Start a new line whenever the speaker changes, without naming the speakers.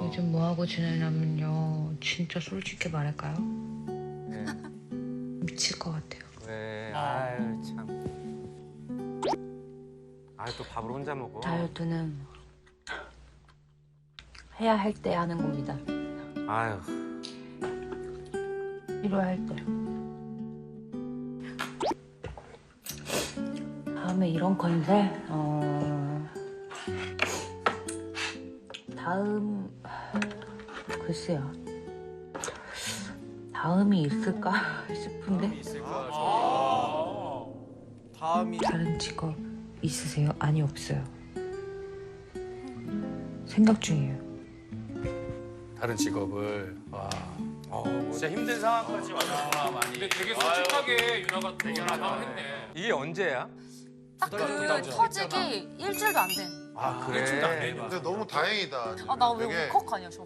요즘 뭐 하고 지내냐면요. 진짜 솔직히 말할까요?
네.
미칠 것 같아요.
왜? 아유 참. 아유 또 밥을 혼자 먹어.
다이어트는 해야 할 때 하는 겁니다.
아유.
필요할 때. 다음에 이런 건데, 글쎄요. 다음이 있을까 싶은데.
다음이
다른 직업 있으세요? 아니, 없어요. 생각 중이에요.
다른 직업을
진짜 힘든 상황까지 왔구나 많이. 근데 되게 솔직하게 유나가 또 나가했네.
이게 언제야?
딱 그 터지기 일주일도 안 된.
아 그래.
일주일도 안 돼.
근데 너무 다행이다.
아, 나 왜
되게
울컥하냐, 저.